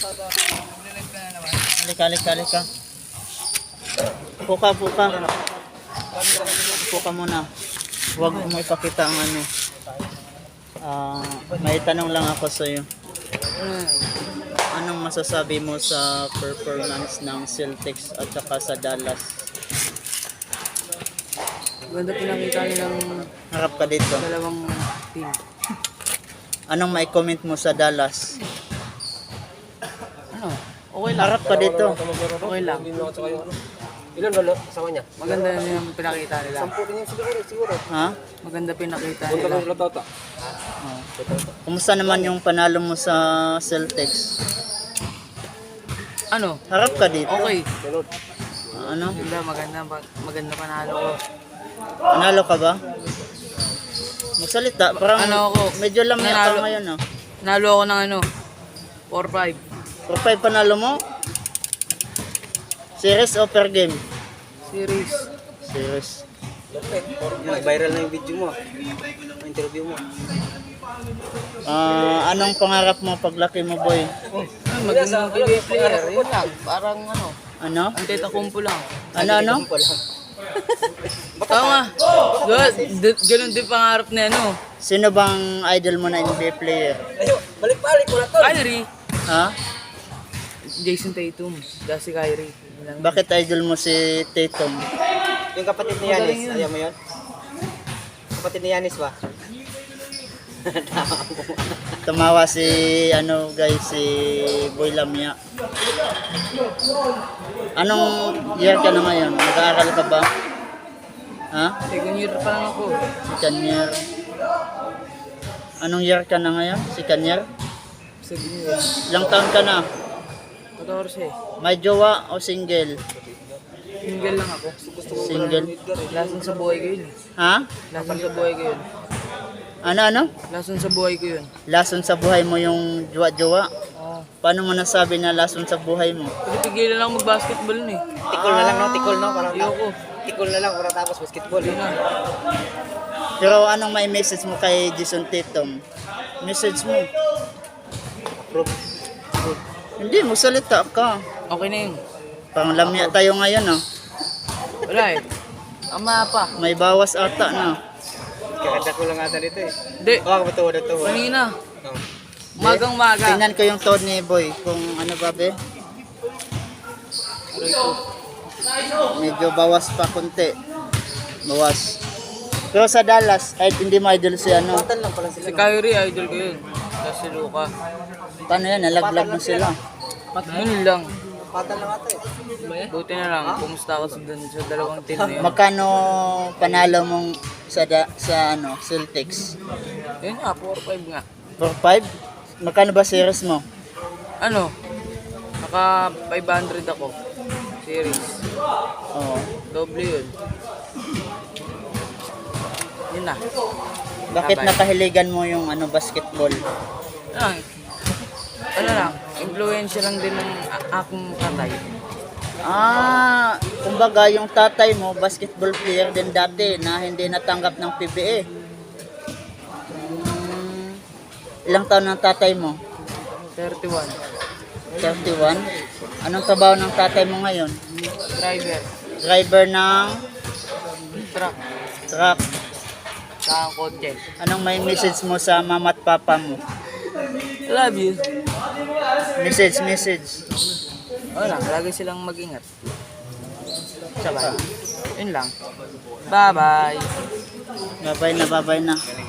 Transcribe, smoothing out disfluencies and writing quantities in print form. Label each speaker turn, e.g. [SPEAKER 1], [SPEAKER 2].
[SPEAKER 1] Halika. Puka. Puka muna. Huwag mo ipakita ang ano. May tanong lang ako sa iyo. Anong masasabi mo sa performance ng Celtics at saka sa Dallas?
[SPEAKER 2] Ganda pinakita nilang
[SPEAKER 1] Harap ka dito.
[SPEAKER 2] dalawang team.
[SPEAKER 1] Anong may comment mo sa Dallas?
[SPEAKER 2] Ano? Okay lang.
[SPEAKER 1] Harap ka dito.
[SPEAKER 2] Okay lang.
[SPEAKER 3] Ilan ba kasama niya?
[SPEAKER 2] Maganda din ang pinakita nila.
[SPEAKER 3] 10 din yung siguro.
[SPEAKER 1] Ha?
[SPEAKER 3] Punta
[SPEAKER 2] Maganda pinakita
[SPEAKER 3] lang
[SPEAKER 2] nila.
[SPEAKER 3] sila tata.
[SPEAKER 1] Kumusta naman yung panalo mo sa Celtics?
[SPEAKER 2] Ano?
[SPEAKER 1] Harap ka dito.
[SPEAKER 2] Okay.
[SPEAKER 3] Sunod.
[SPEAKER 1] Ano?
[SPEAKER 2] Maganda panalo ko.
[SPEAKER 1] Panalo ka ba? Magsalita. Parang
[SPEAKER 2] Ano ako?
[SPEAKER 1] medyo lamya ka
[SPEAKER 2] Nanalo.
[SPEAKER 1] ngayon. Oh.
[SPEAKER 2] Nalo ako ng 4-5.
[SPEAKER 1] 4-5 panalo mo? Series o per game?
[SPEAKER 2] Series.
[SPEAKER 1] Series.
[SPEAKER 3] Viral na yung video mo. Yung interview mo.
[SPEAKER 1] Anong pangarap mo paglaki mo, boy?
[SPEAKER 2] Maging PBA player. Yun lang. Parang
[SPEAKER 1] Ano?
[SPEAKER 2] Antetokounmpo lang.
[SPEAKER 1] Ano?
[SPEAKER 2] Tama. Ganun din pangarap na
[SPEAKER 1] Sino bang idol mo na NBA player?
[SPEAKER 3] Ayo, balik-balik mo na to.
[SPEAKER 2] Kyrie.
[SPEAKER 1] Ha?
[SPEAKER 2] Jason Tatum. Dasi Kyrie. Yun lang.
[SPEAKER 1] Bakit idol mo si Tatum?
[SPEAKER 3] Yung kapatid ni Yanis, ayaw mo yun? Kapatid ni Yanis ba?
[SPEAKER 1] Tumawa si si Boy Lamia. Anong year ka na ngayon? Nag-aaral ka ba? Ha?
[SPEAKER 2] Second year pa lang ako.
[SPEAKER 1] Second year. Anong year ka na ngayon? Second year?
[SPEAKER 2] Second year.
[SPEAKER 1] Ilang taon ka na?
[SPEAKER 2] 14.
[SPEAKER 1] May jowa o single?
[SPEAKER 2] Single lang ako.
[SPEAKER 1] Single.
[SPEAKER 2] Lason sa buhay ko yun.
[SPEAKER 1] Ha?
[SPEAKER 2] Lason sa buhay ko yun.
[SPEAKER 1] Ano?
[SPEAKER 2] Lason sa buhay ko yun.
[SPEAKER 1] Lason sa buhay mo yung jowa-jowa?
[SPEAKER 2] Oo.
[SPEAKER 1] Paano mo nasabi na lason sa buhay mo?
[SPEAKER 2] Pigilan lang mag-basketball nun eh.
[SPEAKER 3] Tikol na lang, no? Tikol, no? Parang
[SPEAKER 2] Ayoko.
[SPEAKER 3] tikol na lang para tapos basketball.
[SPEAKER 2] Yun na.
[SPEAKER 1] Pero anong may message mo kay Jason Tatum? Message mo?
[SPEAKER 3] Approve.
[SPEAKER 1] Hindi, magsalita ka.
[SPEAKER 2] Okay na yun.
[SPEAKER 1] Pang lamya tayo ngayon, oh.
[SPEAKER 2] Wala eh. Ama pa.
[SPEAKER 1] May bawas ata na.
[SPEAKER 3] Kakanda ko lang ata dito eh.
[SPEAKER 2] Hindi.
[SPEAKER 3] Baka ba ito?
[SPEAKER 2] Kanina.
[SPEAKER 3] No.
[SPEAKER 2] Magang maga.
[SPEAKER 1] Tingnan ko yung tone ni Boy. Kung ano ba, be? Medyo bawas pa konti. Bawas. Pero sa Dallas, kahit hindi mo idol si
[SPEAKER 3] Patan lang pala sila.
[SPEAKER 2] Si Kyrie, idol ko yun. Tapos si Luka.
[SPEAKER 1] Paano yan? Nalaglag na sila.
[SPEAKER 2] Yun lang.
[SPEAKER 3] Patan lang ata eh.
[SPEAKER 2] Buti na lang. Kumusta ako sa dalawang team na yun.
[SPEAKER 1] Magkano panalo mong sa Celtics?
[SPEAKER 2] Yun nga, 4-5 nga.
[SPEAKER 1] 4-5? Magkano ba series mo?
[SPEAKER 2] Naka 500 ako. Series.
[SPEAKER 1] Oo.
[SPEAKER 2] Doble yun. Yun na.
[SPEAKER 1] Bakit
[SPEAKER 2] Bye-bye.
[SPEAKER 1] nakahiligan mo yung basketball?
[SPEAKER 2] Ano lang, influensya lang din ng akong tatay.
[SPEAKER 1] Kumbaga yung tatay mo, basketball player din dati na hindi natanggap ng PBA. Ilang taon ng tatay mo?
[SPEAKER 2] 31.
[SPEAKER 1] 31? Anong trabaho ng tatay mo ngayon?
[SPEAKER 2] Driver.
[SPEAKER 1] Driver ng
[SPEAKER 2] Truck.
[SPEAKER 1] truck.
[SPEAKER 2] Sa kotse.
[SPEAKER 1] Anong may message mo sa mama at papa mo?
[SPEAKER 2] Love you.
[SPEAKER 1] Message.
[SPEAKER 2] Wala, lagi silang mag-ingat. Sabay. Yun lang. Bye-bye.
[SPEAKER 1] Babay na.